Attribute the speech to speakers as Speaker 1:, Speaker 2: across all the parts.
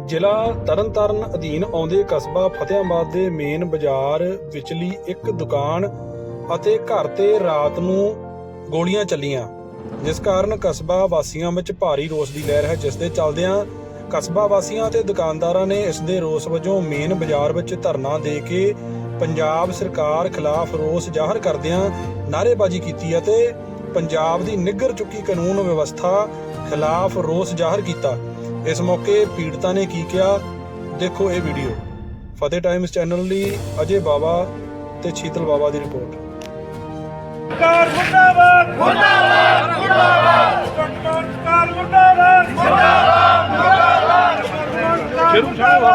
Speaker 1: ਜ਼ਿਲ੍ਹਾ ਤਰਨਤਾਰਨ ਅਧੀਨ ਆਉਂਦੇ ਕਸਬਾ ਫਤਿਆਬਾਦ ਦੇ ਮੇਨ ਬਾਜ਼ਾਰ ਵਿਚਲੀ ਇੱਕ ਦੁਕਾਨ ਅਤੇ ਘਰ ਤੇ ਰਾਤ ਨੂੰ ਗੋਲੀਆਂ ਚੱਲੀਆਂ, ਜਿਸ ਕਾਰਨ ਕਸਬਾ ਵਾਸੀਆਂ ਵਿੱਚ ਭਾਰੀ ਰੋਸ ਦੀ ਲਹਿਰ ਹੈ। ਜਿਸ ਦੇ ਚੱਲਦਿਆਂ ਕਸਬਾ ਵਾਸੀਆਂ ਅਤੇ ਦੁਕਾਨਦਾਰਾਂ ਨੇ ਇਸ ਦੇ ਰੋਸ ਵਜੋਂ ਮੇਨ ਬਾਜ਼ਾਰ ਵਿੱਚ ਧਰਨਾ ਦੇ ਕੇ ਪੰਜਾਬ ਸਰਕਾਰ ਖਿਲਾਫ ਰੋਸ ਜ਼ਾਹਰ ਕਰਦਿਆਂ ਨਾਅਰੇਬਾਜ਼ੀ ਕੀਤੀ ਅਤੇ ਪੰਜਾਬ ਦੀ ਨਿੱਘਰ ਚੁੱਕੀ ਕਾਨੂੰਨ ਵਿਵਸਥਾ ਖਿਲਾਫ ਰੋਸ ਜ਼ਾਹਰ ਕੀਤਾ। ਇਸ ਮੌਕੇ ਪੀੜਤਾਂ ਨੇ ਕੀ ਕਿਹਾ, ਦੇਖੋ ਇਹ ਵੀਡੀਓ। ਫਤਿਹ ਟਾਈਮਜ਼ ਚੈਨਲ ਲਈ ਅਜੇ ਬਾਵਾ ਤੇ ਸ਼ੀਤਲ ਬਾਵਾ ਦੀ ਰਿਪੋਰਟ।
Speaker 2: ਸਰਕਾਰ ਮੁਰਦਾਬਾਦ ਮੁਰਦਾਬਾਦ ਮੁਰਦਾਬਾਦ ਸਰਕਾਰ ਮੁਰਦਾਬਾਦ ਮੁਰਦਾਬਾਦ ਮੁਰਦਾਬਾਦ ਸ਼ੁਰੂ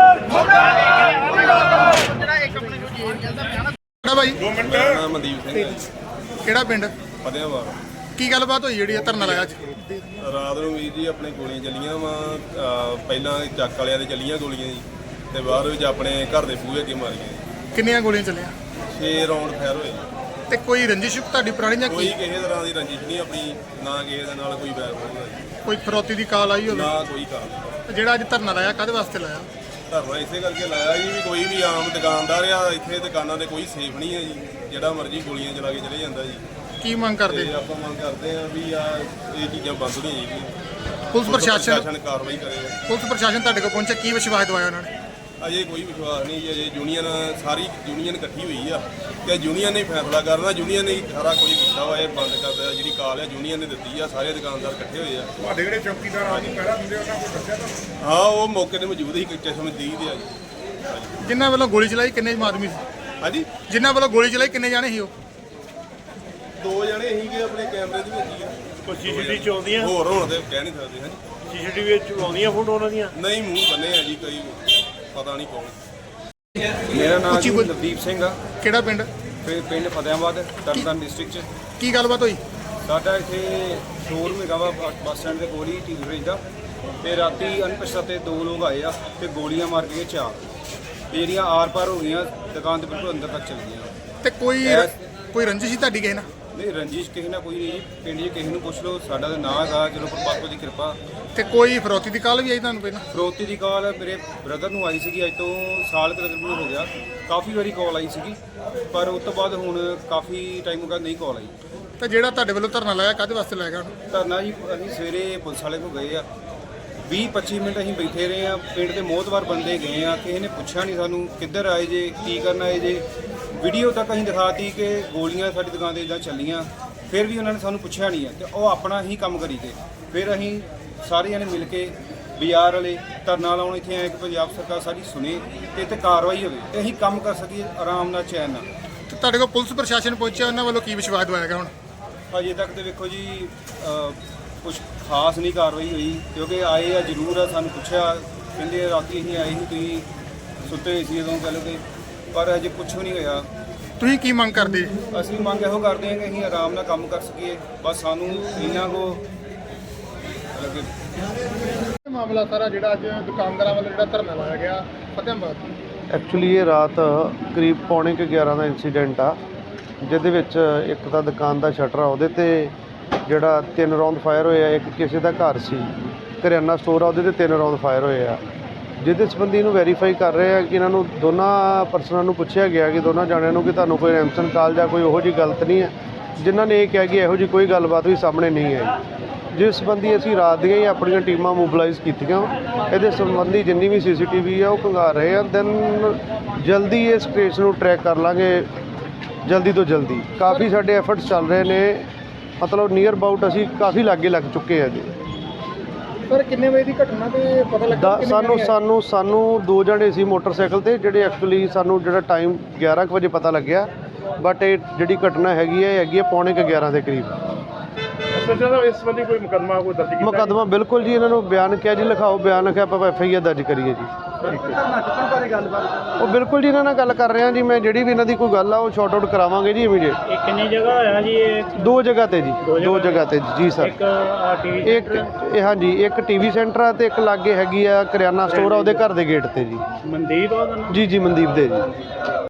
Speaker 3: ਕਿਹੜਾ ਬਾਈ?
Speaker 2: 2 ਮਿੰਟ।
Speaker 4: ਮਨਦੀਪ ਸਿੰਘ
Speaker 3: ਕਿਹੜਾ ਪਿੰਡ?
Speaker 4: ਫਤਿਆਬਾਦ।
Speaker 3: ਕੀ ਗੱਲਬਾਤ ਹੋਈ ਜਿਹੜੀ ਧਰਨਾ ਲਾਇਆ ਅੱਜ?
Speaker 4: ਰਾਤ ਨੂੰ ਵੀਰ ਜੀ ਆਪਣੇ ਗੋਲੀਆਂ ਚੱਲੀਆਂ ਵਾ। ਪਹਿਲਾਂ ਚੱਕ ਵਾਲਿਆਂ ਦੇ ਚੱਲੀਆਂ ਗੋਲੀਆਂ ਜੀ, ਤੇ ਬਾਅਦ ਵਿੱਚ ਆਪਣੇ ਘਰ ਦੇ ਬੂਹੇ ਅੱਗੇ ਮਾਰੀਆਂ ਜੀ।
Speaker 3: ਕਿੰਨੀਆਂ ਗੋਲੀਆਂ ਚੱਲੀਆਂ?
Speaker 4: 6 ਰਾਉਂਡ ਫਾਇਰ ਹੋਏ।
Speaker 3: ਤੇ ਕੋਈ ਰੰਜਿਸ਼ ਤੁਹਾਡੀ ਪੁਰਾਣੀ ਜਾਂ
Speaker 4: ਕੋਈ
Speaker 3: ਕੀ?
Speaker 4: ਕਿਸੇ ਤਰ੍ਹਾਂ ਦੀ ਰੰਜਿਸ਼ ਨਹੀਂ ਆਪਣੀ, ਨਾ ਕਿਸੇ ਦੇ ਨਾਲ ਕੋਈ ਵੈਰ ਹੋਇਆ ਜੀ,
Speaker 3: ਕੋਈ ਫਰੋਤੀ ਦੀ ਕਾਲ ਆਈ ਹੋਵੇ?
Speaker 4: ਨਾ ਕੋਈ ਕਾਰਨ।
Speaker 3: ਜਿਹੜਾ ਅੱਜ ਧਰਨਾ ਲਾਇਆ ਕਾਹਦੇ ਵਾਸਤੇ ਲਾਇਆ?
Speaker 4: ਧਰਨਾ ਇਸੇ ਕਰਕੇ ਲਾਇਆ ਜੀ ਵੀ ਕੋਈ ਵੀ ਆਮ ਦੁਕਾਨਦਾਰ ਆ, ਇੱਥੇ ਦੁਕਾਨਾਂ ਤੇ ਕੋਈ ਸੇਫ ਨਹੀਂ ਹੈ ਜੀ, ਜਿਹੜਾ ਮਰਜ਼ੀ ਗੋਲੀਆਂ ਚਲਾ ਕੇ ਚਲੇ ਜਾਂਦਾ ਜੀ।
Speaker 3: ਕੀ ਮੰਗ ਕਰਦੇ?
Speaker 4: ਤੇ ਆਪਾਂ ਮੰਗ ਕਰਦੇ ਆ ਵੀ ਆ ਇਹ ਚੀਜ਼ਾਂ ਬੰਦ ਹੋਣੀਆਂ ਚਾਹੀਦੀਆਂ।
Speaker 3: ਪੁਲਿਸ ਪ੍ਰਸ਼ਾਸਨ
Speaker 4: ਕਾਰਵਾਈ ਕਰੇ।
Speaker 3: ਪੁਲਿਸ ਪ੍ਰਸ਼ਾਸਨ ਤੁਹਾਡੇ ਕੋਲ ਪਹੁੰਚਿਆ, ਕੀ ਵਿਸ਼ਵਾਸ ਦਵਾਇਆ ਉਹਨਾਂ ਨੇ?
Speaker 4: ਅਜੇ ਕੋਈ ਵਿਸ਼ਵਾਸ ਨਹੀਂ ਜੀ। ਅਜੇ ਯੂਨੀਅਨ ਸਾਰੀ ਯੂਨੀਅਨ ਇਕੱਠੀ ਹੋਈ ਆ ਤੇ ਯੂਨੀਅਨ ਨੇ ਫੈਸਲਾ ਕਰਨਾ। ਯੂਨੀਅਨ ਨੇ ਸਾਰਾ ਕੁਝ ਕੀਤਾ ਵਾ, ਇਹ ਬੰਦ ਕਰਦਾ। ਜਿਹੜੀ ਕਾਲ ਆ ਯੂਨੀਅਨ ਨੇ ਦਿੱਤੀ ਆ, ਸਾਰੇ ਦੁਕਾਨਦਾਰ ਇਕੱਠੇ ਹੋਏ ਆ।
Speaker 2: ਤੁਹਾਡੇ ਜਿਹੜੇ ਚੌਕੀਦਾਰ ਆ ਜੀ ਪਹਿਰਾ ਦਿੰਦੇ ਉਹਨਾਂ ਕੋਲ ਦੱਸਿਆ ਤੁਹਾਨੂੰ?
Speaker 4: ਹਾਂ, ਉਹ ਮੌਕੇ ਤੇ ਮੌਜੂਦ ਸੀ, ਚਸ਼ਮਦੀਦ ਆ ਜੀ।
Speaker 3: ਜਿਨ੍ਹਾਂ ਵੱਲੋਂ ਗੋਲੀ ਚਲਾਈ ਕਿੰਨੇ ਆਦਮੀ ਸੀ?
Speaker 4: ਹਾਂਜੀ,
Speaker 3: ਜਿਨ੍ਹਾਂ ਵੱਲੋਂ ਗੋਲੀ ਚਲਾਈ ਕਿੰਨੇ ਜਾਣੇ ਸੀ ਉਹ?
Speaker 4: 2 ਜਣੇ ਸੀਗੇ ਆਪਣੇ ਕੈਮਰੇ ਦੇ ਵਿੱਚ ਹੀ ਆ।
Speaker 2: ਕੋਈ ਸੀਸੀਟੀਵੀ ਚ ਆਉਂਦੀਆਂ?
Speaker 4: ਹੋਰ ਹੋਣ ਤੇ ਕਹਿ ਨਹੀਂ ਸਕਦੇ। ਹਾਂਜੀ,
Speaker 2: ਸੀਸੀਟੀਵੀ ਵਿੱਚ ਆਉਂਦੀਆਂ ਫੋਟੋ ਉਹਨਾਂ ਦੀਆਂ?
Speaker 4: ਨਹੀਂ, ਮੂੰਹ ਬੰਨੇ ਆ ਜੀ, ਕੋਈ ਪਤਾ ਨਹੀਂ ਕੌਣ।
Speaker 5: ਮੇਰਾ ਨਾਮ
Speaker 3: ਉੱਚੀ
Speaker 5: ਜੀ
Speaker 3: ਬੋਲ।
Speaker 5: ਨਵਦੀਪ ਸਿੰਘ ਆ।
Speaker 3: ਕਿਹੜਾ ਪਿੰਡ?
Speaker 5: ਪਿੰਡ ਫਤਿਆਬਾਦ, ਤਰਨਤਾਰਨ ਡਿਸਟ੍ਰਿਕਟ 'ਚ।
Speaker 3: ਕੀ ਗੱਲਬਾਤ ਹੋਈ?
Speaker 5: ਸਾਡਾ ਇੱਥੇ ਸ਼ੋਰੂਮ ਹੈਗਾ ਵਾ ਬੱਸ ਸਟੈਂਡ ਦੇ ਕੋਲ ਹੀ, ਟੀਵੀ ਫ੍ਰਿਜ ਦਾ। ਤੇ ਰਾਤੀ ਅਣਪਛਾਤੇ 2 ਲੋਕ ਆਏ ਆ ਤੇ ਗੋਲੀਆਂ ਮਾਰ ਕੇ 4 ਤੇ ਜਿਹੜੀਆਂ ਆਰ ਪਾਰ ਹੋ ਗਈਆਂ, ਦੁਕਾਨ ਦੇ ਬਿਲਕੁਲ ਅੰਦਰ ਤੱਕ ਚਲ ਗਈਆਂ।
Speaker 3: ਤੇ ਕੋਈ ਰੰਜਿਸ਼ ਸੀ ਤੁਹਾਡੀ ਕਿਸੇ ਨਾਲ?
Speaker 5: ਨਹੀਂ, ਰੰਜਿਸ਼ ਕਿਸੇ ਨਾਲ ਕੋਈ ਨਹੀਂ ਜੀ। ਪਿੰਡ 'ਚ ਕਿਸੇ ਨੂੰ ਪੁੱਛ ਲਓ, ਸਾਡਾ ਤਾਂ ਨਾਂ ਹੈਗਾ, ਚਲੋ ਪਰਮਾਤਮਾ ਦੀ ਕਿਰਪਾ।
Speaker 3: ਤੇ ਕੋਈ ਫਰੋਤੀ ਦੀ ਕਾਲ ਵੀ ਆਈ ਤੁਹਾਨੂੰ ਪਹਿਲਾਂ?
Speaker 5: ਫਰੋਤੀ ਦੀ ਕਾਲ ਮੇਰੇ ਬ੍ਰਦਰ ਨੂੰ ਆਈ ਸੀਗੀ, ਅੱਜ ਤੋਂ ਸਾਲ ਤਕਰੀਬਨ ਹੋ ਗਿਆ। ਕਾਫੀ ਵਾਰੀ ਕਾਲ ਆਈ ਸੀਗੀ, ਪਰ ਉਸ ਤੋਂ ਬਾਅਦ ਹੁਣ ਕਾਫੀ ਟਾਈਮ ਹੋ ਗਿਆ ਨਹੀਂ ਕਾਲ ਆਈ।
Speaker 3: ਤੇ ਜਿਹੜਾ ਤੁਹਾਡੇ ਵੱਲੋਂ ਧਰਨਾ ਲਾਇਆ ਕਾਹਦੇ ਵਾਸਤੇ ਲਾਇਆ ਗਿਆ?
Speaker 5: ਧਰਨਾ ਜੀ ਅਸੀਂ ਸਵੇਰੇ ਪੁਲਿਸ ਵਾਲੇ ਕੋਲ ਗਏ ਆ, 20-25 ਮਿੰਟ ਅਸੀਂ ਬੈਠੇ ਰਹੇ ਆ। ਪਿੰਡ ਦੇ ਮੋਹਤਵਾਰ ਬੰਦੇ ਗਏ ਆ, ਕਿਸੇ ਨੇ ਪੁੱਛਿਆ ਨਹੀਂ ਸਾਨੂੰ ਕਿੱਧਰ ਆਏ ਜੇ, ਕੀ ਕਰਨ ਆਏ ਜੇ। ਵੀਡੀਓ ਤੱਕ ਅਸੀਂ ਦਿਖਾਤੀ ਕਿ ਗੋਲੀਆਂ ਸਾਡੀ ਦੁਕਾਨ 'ਤੇ ਇੱਦਾਂ ਚੱਲੀਆਂ, ਫਿਰ ਵੀ ਉਹਨਾਂ ਨੇ ਸਾਨੂੰ ਪੁੱਛਿਆ ਨਹੀਂ ਹੈ ਤੇ ਉਹ ਆਪਣਾ ਹੀ ਕੰਮ ਕਰੀ ਗਏ। ਫਿਰ ਅਸੀਂ ਸਾਰੇ ਜਣੇ ਮਿਲ ਕੇ ਬਾਜ਼ਾਰ ਵਾਲੇ ਧਰਨਾ ਲਾਉਣ ਇੱਥੇ ਆਏ ਕਿ ਪੰਜਾਬ ਸਰਕਾਰ ਸਾਡੀ ਸੁਣੇ ਤੇ ਇੱਥੇ ਕਾਰਵਾਈ ਹੋਵੇ ਤੇ ਅਸੀਂ ਕੰਮ ਕਰ ਸਕੀਏ ਆਰਾਮ ਨਾਲ, ਚੈਨ ਨਾਲ।
Speaker 3: ਤੇ ਤੁਹਾਡੇ ਕੋਲ ਪੁਲਿਸ ਪ੍ਰਸ਼ਾਸਨ ਪਹੁੰਚਿਆ, ਉਹਨਾਂ ਵੱਲੋਂ ਕੀ ਵਿਸ਼ਵਾਸ ਦਵਾਇਆ ਗਿਆ ਹੁਣ?
Speaker 5: ਅਜੇ ਤੱਕ ਤੇ ਵੇਖੋ ਜੀ ਕੁਝ ਖਾਸ ਨਹੀਂ ਕਾਰਵਾਈ ਹੋਈ, ਕਿਉਂਕਿ ਆਏ ਆ ਜ਼ਰੂਰ ਆ, ਸਾਨੂੰ ਪੁੱਛਿਆ, ਕਹਿੰਦੇ ਰਾਤੀ ਅਸੀਂ ਆਏ ਸੀ, ਤੁਸੀਂ ਸੁੱਤੇ ਹੋਏ ਸੀ ਉਦੋਂ, ਕਹਿ ਲਓ ਕਿ, ਪਰ ਅਜੇ ਕੁਝ ਵੀ ਨਹੀਂ ਹੋਇਆ।
Speaker 3: ਤੁਸੀਂ ਕੀ ਮੰਗ ਕਰਦੇ?
Speaker 5: ਅਸੀਂ ਮੰਗ ਇਹੋ ਕਰਦੇ ਹਾਂ ਕਿ ਅਸੀਂ ਆਰਾਮ ਨਾਲ ਕੰਮ ਕਰ ਸਕੀਏ, ਬਸ ਸਾਨੂੰ ਇਹਨਾਂ ਕੋ ਲੱਗੇ।
Speaker 3: ਮਾਮਲਾ ਸਾਰਾ ਜਿਹੜਾ ਅੱਜ ਦੁਕਾਨਦਾਰਾਂ ਵੱਲੋਂ ਜਿਹੜਾ ਧਰਨਾ ਲਾਇਆ ਗਿਆ ਫਤਿਆਬਾਦ?
Speaker 6: ਐਕਚੁਅਲੀ ਇਹ ਰਾਤ ਕਰੀਬ 11:45 ਦਾ ਇਨਸੀਡੈਂਟ ਆ, ਜਿਹਦੇ ਵਿੱਚ ਇੱਕ ਤਾਂ ਦੁਕਾਨ ਦਾ ਸ਼ਟਰ ਆ, ਉਹਦੇ ਤੇ ਜਿਹੜਾ 3 ਰਾਉਂਡ ਫਾਇਰ ਹੋਏ ਆ। ਇੱਕ ਕਿਸੇ ਦਾ ਘਰ ਸੀ, ਕਰਿਆਨਾ ਸਟੋਰ ਆ, ਉਹਦੇ ਤੇ 3 ਰਾਉਂਡ ਫਾਇਰ ਹੋਏ ਆ। ਜਿਹਦੇ ਸੰਬੰਧੀ ਇਹਨੂੰ ਵੈਰੀਫਾਈ ਕਰ ਰਹੇ ਆ ਕਿ ਇਹਨਾਂ ਨੂੰ ਦੋਨਾਂ ਪਰਸਨਾਂ ਨੂੰ ਪੁੱਛਿਆ ਗਿਆ ਕਿ ਦੋਨਾਂ ਜਾਣਿਆਂ ਨੂੰ ਕਿ ਤੁਹਾਨੂੰ ਕੋਈ ਰੈਮਸਨ ਕਾਲ ਜਾਂ ਕੋਈ ਉਹੋ ਜਿਹੀ ਗਲਤ ਨਹੀਂ ਹੈ, ਜਿਨ੍ਹਾਂ ਨੇ ਇਹ ਕਿਹਾ ਕਿ ਇਹੋ ਜਿਹੀ ਕੋਈ ਗੱਲਬਾਤ ਵੀ ਸਾਹਮਣੇ ਨਹੀਂ ਆਈ। ਜਿਸ ਸੰਬੰਧੀ ਅਸੀਂ ਰਾਤ ਦੀਆਂ ਹੀ ਆਪਣੀਆਂ ਟੀਮਾਂ ਮੋਬਿਲਾਈਜ਼ ਕੀਤੀਆਂ। ਇਹਦੇ ਸੰਬੰਧੀ ਜਿੰਨੀ ਵੀ CCTV ਆ ਉਹ ਖੰਗਾਰ ਰਹੇ ਆ। ਦੈਨ ਜਲਦੀ ਇਸ ਕੇਸ ਨੂੰ ਟਰੈਕ ਕਰ ਲਾਂਗੇ, ਜਲਦੀ ਤੋਂ ਜਲਦੀ। ਕਾਫੀ ਸਾਡੇ ਐਫਰਟਸ ਚੱਲ ਰਹੇ ਨੇ, ਮਤਲਬ ਨੀਅਰ ਅਬਾਊਟ ਅਸੀਂ ਕਾਫੀ ਲਾਗੇ ਲੱਗ ਚੁੱਕੇ ਆ ਜੀ।
Speaker 3: ਸਰ ਕਿੰਨੇ ਵਜੇ ਦੀ ਘਟਨਾ ਤੇ ਪਤਾ ਲੱਗਾ?
Speaker 6: ਸਾਨੂੰ 2 ਜਣੇ ਸੀ ਮੋਟਰਸਾਈਕਲ ਤੇ, ਜਿਹੜੇ ਐਕਚੁਅਲੀ ਸਾਨੂੰ ਜਿਹੜਾ ਟਾਈਮ 11 ਵਜੇ ਪਤਾ ਲੱਗਿਆ, ਬਟ ਇਹ ਜਿਹੜੀ ਘਟਨਾ ਹੈਗੀ ਹੈ 11:45 ਦੇ ਕਰੀਬ।
Speaker 2: ਇਸ ਸੰਬੰਧੀ ਕੋਈ ਮੁਕੱਦਮਾ ਕੋਈ ਦਰਜ ਕੀਤਾ?
Speaker 6: ਮੁਕੱਦਮਾ ਬਿਲਕੁਲ ਜੀ, ਇਹਨਾਂ ਨੂੰ ਬਿਆਨ ਕਿਹਾ ਜੀ, ਲਿਖਾਓ ਬਿਆਨ, ਲਿਖਿਆ ਆਪਾਂ FIR ਦਰਜ ਕਰੀਏ ਜੀ। ਉਹ ਬਿਲਕੁਲ ਜੀ ਇਹਨਾਂ ਨਾਲ ਗੱਲ ਕਰ ਰਹੇ ਹਾਂ ਜੀ ਮੈਂ, ਜਿਹੜੀ ਵੀ ਇਹਨਾਂ ਦੀ ਕੋਈ ਗੱਲ ਆ ਉਹ ਸ਼ਾਰਟ ਆਊਟ ਕਰਾਵਾਂਗੇ ਜੀ ਇਮੀਡੀਏਟ।
Speaker 2: ਇਹ ਕਿੰਨੀ ਜਗ੍ਹਾ ਹੋਇਆ ਜੀ? ਇਹ
Speaker 6: 2 ਜਗ੍ਹਾ ਤੇ ਜੀ, 2 ਜਗ੍ਹਾ ਤੇ ਜੀ ਸਰ।
Speaker 2: ਇੱਕ ਟੀਵੀ
Speaker 6: ਇੱਕ ਇਹ ਹਾਂਜੀ, ਇੱਕ TV ਸੈਂਟਰ ਆ ਤੇ ਇੱਕ ਲਾਗੇ ਹੈਗੀ ਆ ਕਰਿਆਨਾ ਸਟੋਰ ਆ, ਉਹਦੇ ਘਰ ਦੇ ਗੇਟ ਤੇ ਜੀ।
Speaker 2: ਮਨਦੀਪ ਆ ਉਹਦਾ ਨਾਮ?
Speaker 6: ਜੀ ਮਨਦੀਪ ਦੇ ਜੀ।